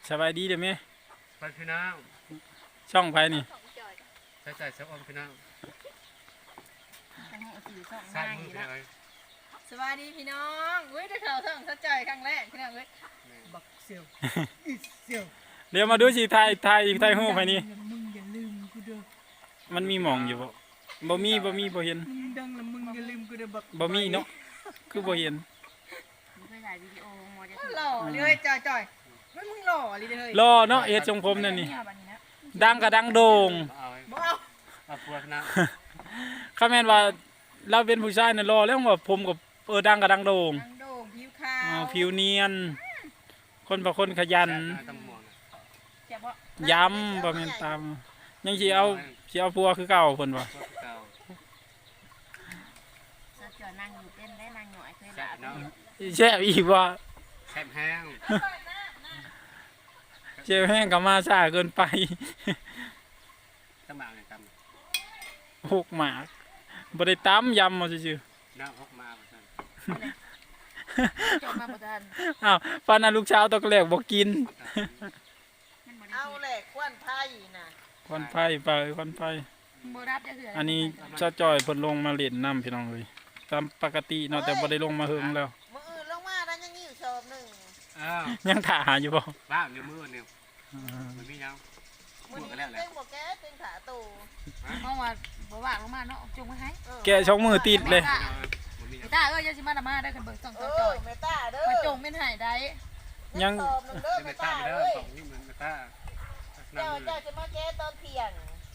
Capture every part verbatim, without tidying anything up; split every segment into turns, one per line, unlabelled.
สบายดีเด้อแม่
ไปพี่น้อง
ช่องไผนี่
ใส่ใจเสื้ออมพี่น้องใส่มือพี่น้อง
สวัสดีพี่น้องเว้ยได้ข่าวท่องสะใจครั้งแรกพี่น้องเว้ยบักเซียวเซียว
เดี๋ยวมาดูสิถ่ายถ่ายถ่ายรูปไผนี่
มึงอย่าลืมกูเด้อ
มันมีหม่องอยู่บ่บ่มีบ่มีบ่เห็น
มึงดังแล้วมึงอย่าลืมกูเด้อบัก
บ่มีเนาะคือบ่เห็น
มึงเคยถ่ายวิดีโอโมเดล
หล่อเลยจ่อยๆมันมึงหล่อเลยเฮ้ย
รอเนาะเฮ็ดทรงผมนั่นนี่ดังก็ดังโด่ง
บ่เอา
เอาพวกนะ
คำแม่นว่าเราเป็นผู้ชายน่ะรอแล้วว่าผมก็เออดังก็ดังโด่ง
ดังโด่งผิวขาว
อ๋อผิวเนียนคนบ่คนขยันย้ำบ่แม่นตามยังสิเอาสิเอาผัวคือเก่าเพิ่นว่า
จอนั่งอยู่เต้นได้นั่งหน่อยเคยด่า
แซ่บอีกว่า
แซ่บแห้ง
เจ็บแห้งก็มาช้าเกินไป
ตำหมากเลยต
ำหกหมากบ่ได้ตำยำเอาซื่อ
ๆน้ำหกหมากซั่น
จบมาบ่ทัน
อ้าวปานนั้นลูกสาวตะกแลกบ่กิน
เอาแหละควันไผ่น่ะ
ควันไฟไปควันไฟ
บ่รับจะเหือ
อันนี้ซะจ่อยเพิ่นลงมาเล่นน้ำพี่น้องเอ้ยตามปกติเนาะแต่บ่ได้ลงมาเฮิงแล้ว
มื้ออื่นลงมาแล้วยังมีอยู่ชอบนึง
อ้าว
ยังถ่าหาอยู่บ่
บ้าอยู่มื้อนึงมันมียัง
มื้อนี้เต็งบ่แก้เต็งขาตู
เพราะว่าบ่ว่างลงมาเนาะจุงมาให้
แกช่องมือติดเลย
ไอ้ตาเอ้ยอย่าสิมาดมาได้คันเบิ่งส่องจ่อย
เมตาเด้อ
มาจงเป็นหายได้
ยัง
เมตาเด้อส่งนี่มันเมตา
เจ้าเจ้าจะมาแก้ตอนเที่ยง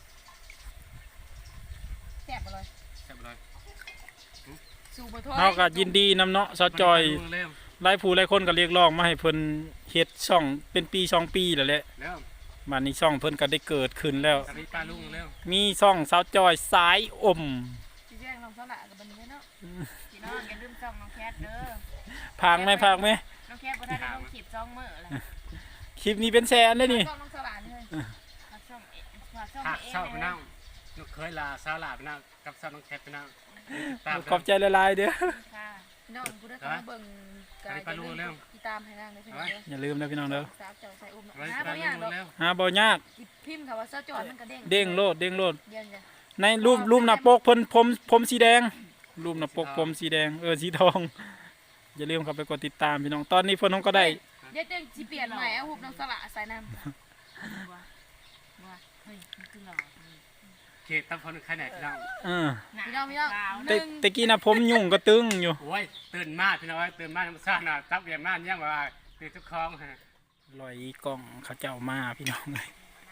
แซ่บบ่เลย
แซ่บเลย
สู่บ่ทอย
เฮาก็ยินดีนำเนาะซอจอยหลายผู้หลายคนก็เรียกร้องมาให้เพิ่นเฮ็ดช่องเป็นปีสองปีแล้วแหละ
แล้ว
บัดนี้ช่องเพิ่นก็ได้เกิดขึ้นแล้วมีช่องสาวจอยสายอม
สิแจ้งน้องสละกับบัดนี้เนาะพี่น้องอย่าลืมช่องน้องแคทเด้อ
พังมั้ยพังมั้ย
น้องแคทบ่ได้ลงคลิปสองมื้อแล้ว
คลิปนี้เป็นแสนเลยนี่
ช่องน้องสละนี่เลยช่องฝากช่องเอง
ชอบพี่น้องลูกเคยลาสาวลาพี่น้องกับสาวน้องแคทพี่น้อง
ขอบใจหลายๆเด้อ
ค่ะน้องผู้ใดเข้ามาเบิ่งกายติดตามให้นางได้เพิ่นเด้อ
อย่าลืมนะพี่น้องเด้อ
สาวจอยใส่อุ้มเนาะหาบ่ยากดอก
หาบ่ยาก
พิมพ์คำว่าสาวจอยมันก็เด้ง
เด้งโลดเด้งโลด
เด้งจ้ะ
ในรูปรูปหน้าปกเพิ่นผมผมสีแดงรูปหน้าปกผมสีแดงเออสีทองอย่าลืมเข้าไปกดติดตามพี่น้องตอนนี้เพิ่นน้องก็ได้
เดี๋ยวเด้งสิเปลี่ยนใหม่เอาหุบน้องสละใส่น้ำว่าว่าเฮ้ยมันคือหล่อ
เขตตั้งคนใครไหนพี่น้อง
เออ
พี่น้องพี่น้อง
แต่แต่กี้นะผมยุ่งก็ตึงอยู่
โอ้ยตื่นมาพี่น้องตื่นมาธรรมชาตินะตับเรียนมาเนี่ยว่าตื่นทุกคลอง
ลอยกล้องเขาเจ้ามาพี่น้องเลย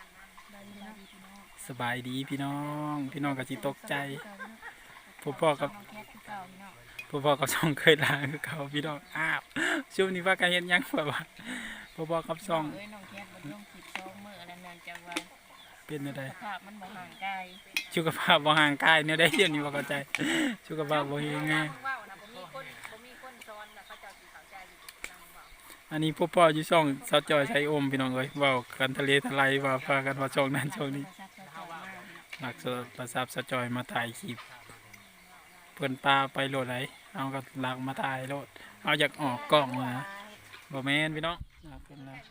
สบายดีพี่น้องพี่น้องก็สิตกใจพ่อพ่อกับพ่อพ่อกับช่องเคยลาคือเขาพี่น้องอ้าวช่วงนี้ว่าการเห็นยังแบบว่าพ่อพ่อกับช่องเป็นอะไร
สุขภาพมันบ่ห่างกาย
สุขภาพบ่ห่างกายเนี่ยได้เดี๋ยวนี้ว่าเข้าใจสุขภาพบ่เฮงไงอันนี้พ่อพ่ออยู่ช่องสาวจอยใช้อมพี่น้องเอ้ยเว้ากันทะเลทลายว่าพากันว่าช่องนั้นช่องนี้หลักประสาทสาวจอยมาถ่ายคลิปเพิ่นปลาไปโลดไหนเอาก็หลักมาถ่ายโลดเอาอยากออกกล้องนะบ่แม่นพี่น้องเพิ่นแล้ว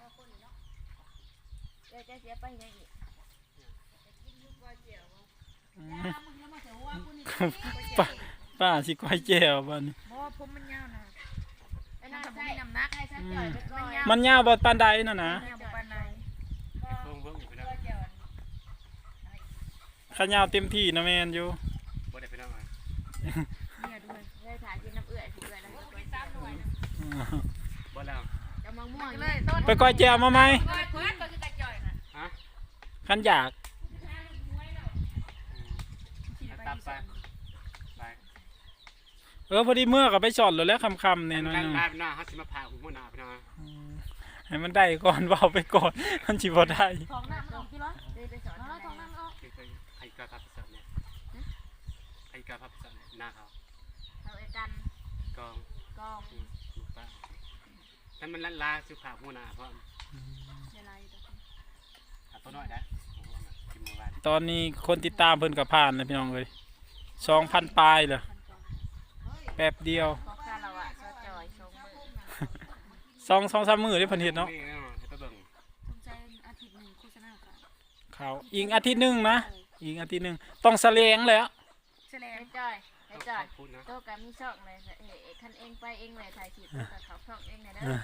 จะเสียไปยังอีก
ป้าป้าสิก้อยแจ่วบ้านนี้
เพราะว่าผมมันยาวนะไอ้นั่นผมมีน้ำหนักให้ซะจ่อย
มันยาวบ่ปานใดน่ะนะข้ายาวเต็มที่นะแม่นอยู่
บ่ได้ไปนอน
เนี่ยด้วยได้ถ่ายกินน้ำเอื้อยเอื้อยแล้วก็ไปตามหน่วยนะ
บ่แล้ว
จะมังม่วงเลย
ไปก้อยแจ่วมาไหม
ฮะ
คันอยากเออพอดีเมื่อกับไปสอนเลยแล้วคำคำเนี่ยน้อย
ๆได้หน้าฮัสิมาพาอุ้มหน้าพี่น้อง
ให้มันได้ก่อนเบาไปก่อนมันจีบได้
ท้องน้ำมันออกกี่ร้อยเลยไปสอนท้องน้ำออก
ใครกล้าพับสอนเนี่ยใครกล้าพับสอนหน้าเขา
เขาเอกัน
กอง
กอง
ป้าถ้ามันลาสุภาพหัวหน้าเพราะตัวน้อยได้
ตอนนี้คนติดตามเพิ่นกับผ่านเลยพี่น้องเลยสองพันปลายเลยแป๊บเดียวสองสองสามมือได้พันเห็ดเนาะเขาอีกอาทิตย์หนึงนะอีกอาทิตย์หนึงต้องแสลงแล้ว
แสดงจ้อยไอ้จ้อย
พูดนะ
โตกับมีช่องเลยเอ้ยคันเองไปเองเลยถ่ายคลิปกับเขาช่องเองเลยเด้อ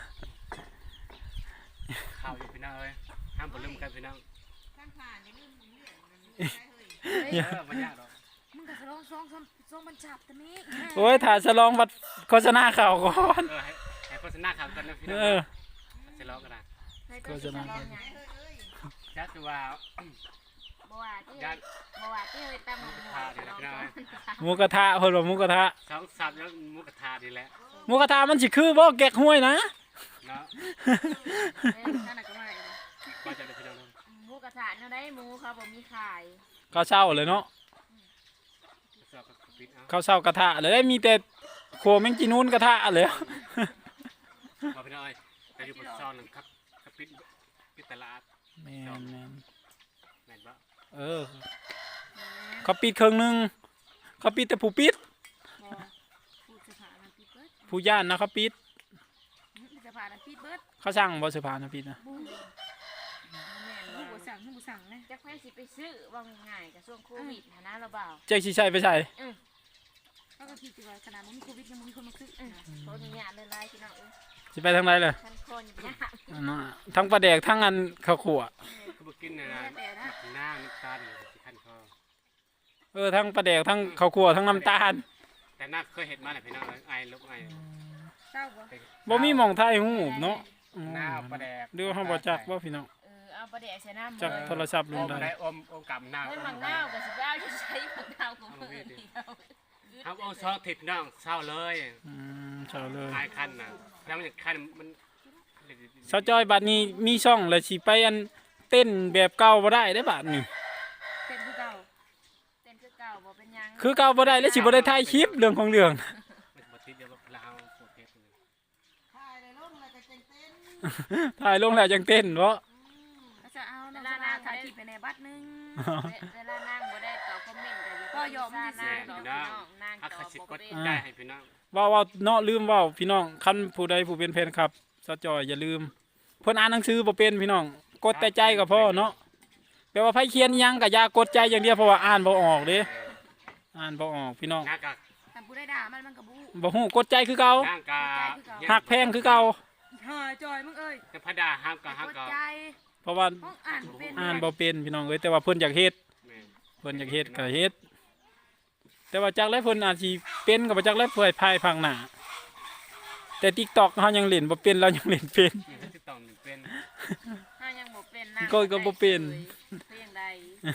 ข่าวอยู่พี่น้องเอ้ยห้ามบ่ลืมกันพี่น้อง
ข้างผ่านอย่าลืมเรื่องมันได้เฮ้ย
เออมันยากหรอก
มึงก็ร้องซองซองซองบรรจับแต่นี้
โอ้ยถ่ายฉลองบัดโฆษณาข่าวก่อน
เออให้ให้โฆษณาข่าวกันนะพี่น้
เอ
อง
อ
จะร้องกันนะ
ก็จะนั่ง
จัดว่า
บ่ว่าที่
ญาติ
บ่ว่าที่เฮ้ยตามหมู่
พาเดี๋ยวนะพี่น้องเอ้ย
หมูกระทะเพิ่นว่าหมูกระทะ
สองสับแล้วหมุกกระทาดีแหละ
หมูกระทะมันสิคือบ่แกกห้วยนะ
เนาะ
เอ้ยนั่นน่ะก็มาอีก
ก็จะได้พี่น้องเนาะ
หมูกระทะเนาะได้หมูเขาบ่มีขาย
ข้าวเช้าเลยเนาะ
สอบกับปิดเอา
ข้าวเช้ากระทะเลยมีแต่โคแมงจีนูนกระทะเลย
บอกพี่น้องเอ้ยแต่อยู่บนซ่อนนึงครับกับปิดปิดตลาด
แม่นแม่น
แม่นบ่
เออเขาปิดเครื่องหนึงเขาปิดแต่ผู้ปิด
บ่ผู้สถานะปิดเบิด
ผู้ย่านนะเขาปิด
ผู้สถานะปิดเบิด
เขาสั่งบ่สิพานะปิดนะ
บูแม่นบ่บ่สั่งบ่สั่งนะจักแม่สิไปซื้อว่าง่ายๆกับช่วงโควิดหานะเราเบา
แจ็คสิใช้ไปใส่
เขาก็คิดว่าขนาดมันมีโควิดยังมีคนมาซื้อโควิดเนี่ยเลยไล่พี่น้องเอ้ย
สิไปทางไหนเลย
ท่านคนยาก
อันนั้นน่ะทั้งปลาแดกทั้งอันข้าวขั่ว
คือบ่กินนะนะหน้าน้ำตาลสิคันคอ
เออทั้งปลาแดกทั้งข้าวขั่วทั้งน้ำตาล
แต่น่าเคยเห็นมาแหละพี่น้องเอ้ยไอ้ลูกไอ้
เศร้าบ่
บ่มีหม่องไทยหูบเนาะอืม
หน้าปลาแดก
เดี๋ยวเฮาบ่จักบ่พี่น้อง
เออเอาประเดี๋ยวใส่น้ำ
จักโทรศัพท์
อ
ลุง
ม
ได้
ได้อมอมกับหน้า
ให้
อ
มั
ม
งนาวกับสิบเอาจะใช้มังนาวของมือเดียว
ครับเอาซอสถิบน้องเศร้าเลย
อืมเช้าเลย
ไอ้คันน่ะแล้วมันคันมัน
สาวจอยบัดนี้มีช่องแล้วสิไปอันเต้นแบบเก่าบ่ได้ได้อบัดนี้
เต้นคือเก่าเต้นคือเก่าบ่เป็นยัง
คือเก่าบ่ได้แล้วสิบ่ได้ถ่ายคลิปเรื่องของเรื่อง
มันบ่ติดเดี๋ยวเราเอาโปรเทสเลย
ถ่ายเลยลงแล้วก็เจงเต้น
ถ่ายลงแล้วจังเต้นเนาะ
ก็จะเอาเวลานางถ่ายคลิปไปในบัตรนึงเวลานางบ่ได้ตอบคอมเมนต์ก็ยอมที่นางดอกน้องนาง
อา
ต
คา
อบ
สิ
บ่
กด
เป็น
ได้ให้พี่น้อง
ว่าว่าเนาะลืมเว้าพี่น้องคันผู้ใดผู้เป็นแฟนคลับสาวจอยอย่าลืมเพิ่นอ่านหนังสือบ่เป็นพี่น้องกดแต่ใจก็พอเนาะแปลว่าไผเขียนอิหยังก็อย่ากดใจอย่างเดียวเพราะว่าอ่านบ่ออกเด้อ่านบ่ออกพี่น้อง
หน้ากาก
แต่ผู้ได้ด่ามันมันก็บู
บ่ฮู้กดใจคือเก่า
หน้ากาก
หักแพงคือเก่า
หายจอยมึงเอ้ย
จะพดาห้ามกับห้าม
กด
กับ
ใจ
เพราะว่า
ห้องอ่านเป็น
อ่านบ่เป็นพี่น้องเอ้ยแต่ว่าเพิ่นอยากเฮ็ด
แม่
เพิ่นอยากเฮ็ดก็เฮ็ดแต่ว่าจักแล้วเพิ่นอาจสิเป็นก็บ่จักแล้วเพื่อภายภาคหน้าแต่ TikTok เฮายังเล่นบ่เป็นเรายังเล่นเป็น
ที่ต้องเป็น
ห้ายังบ่เป็นนาง
ก็ก็บ่เป็น
เพียงใด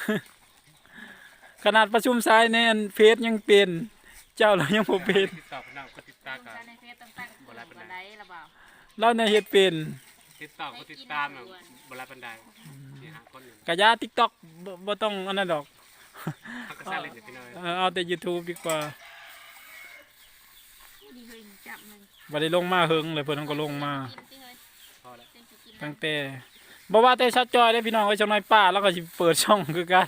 ขนาดประชุมสายในอันเฟซยังเป็นเจ้าเรายังบ่เป็น
ติดต่อพี่น้องกดติดตามกับ
ในเฟซต้องตั้งบ่ได้บ่ได้ละบ่าว
เราเนี่ยเฮ็ดเป็น
ติดต่อกดติดตามบลาบันไดนี่หาคนอยู่
กะยา TikTok บ่บ่ต้องอันนั้นดอก
ฮักกระซ่าเล่นพี่น้อง
เออเอาแต่ YouTube ดีกว่า
ดีเฮ้ยจับมัน
บ่ได้ลงมาเฮิงเลยเพิ่นก็ลงมา
กินสิเฮ้ย
พอแล้ว
เต้นสิกิน
ตั้งแต่บ่ว่าแต่ชัดจอยเด้พี่น้องเอ้ยจังน้อยป้าแล้วก็สิเปิดช่องคือกัน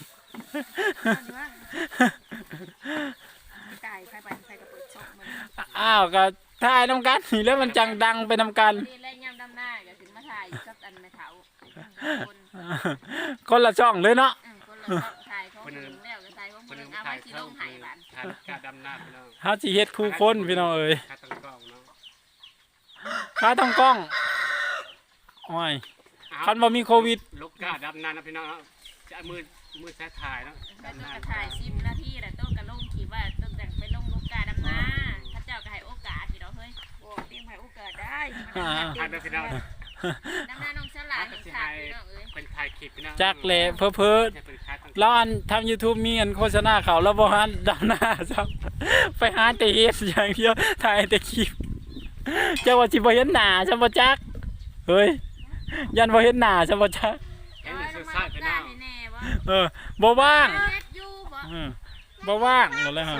ตายใครไปใครก็เปิดช่องมัน
อ้าวก็ถ่ายนำกันนี่แล้วมันจังดังไปนำกัน
นี่แล่ย่ำดำหน้าก็ถึงมาถ่ายกับอันแม่เฒ่าคน
คนละช่องเลยเนาะ
คนละช่องถ่ายของมึงแล้วก็ถ่ายของ
คน
มึ
นึ
ง
ง
เอา
ถ่า
ไว้
ย
ที่
เท่า
ลงไห้บ้าน
ถ่ายกาดำหน้าพี่น้อง
เฮาสิเฮ็ดคู่คนพี่น้องเอ้ย
ค่าตั้งกล้องเนาะ
ค่าต้องกล้องโอ้ยคันบ่มีโควิด
ลูกกาดำหน้านะพี่น้องจะมือมือแท้ถ่ายเนาะ
แต่ต้องกระถ่ายสิบนาทีแต่ต้องกระลงขีว่าต้องแต่งไปลงลูกกาดำนาถ้าเจ้าก็ให้โอกาสพี่น้องเฮ้ยโอ้เตรียมให้โอกาสได้
ถ่ายนะพี่น้อง
ดำนาน้องฉลาดเห็นขาดพี่น้องเอ้ย
เป็นถ่ายคลิปพี่น้อง
จักแหละเพ้อๆแล้วอันทำ YouTube มีอันโฆษณาเขาแล้วบ่ฮันดำหน้าซับไปหาแต่เฮ็ดอย่างเดียวถ่ายแต่คลิปเจ้าว่าสิบ่เห็นหน้าฉันบ่จักเฮ้ยยันบ่เห็นหน้าฉันบ่จัก
เห็น
น้อย
สุ
ล
ด
ง
ท้า
าย
พี่
กา
น้อ
รง ให้แน่บ่
เออบ่ว่าง
เฮ็ดอยู่บ่
เออบ่ว่างหมดแล้วฮะ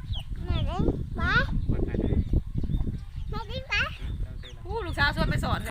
คนไทย
ผู้ลูกสาวชวนไปสอน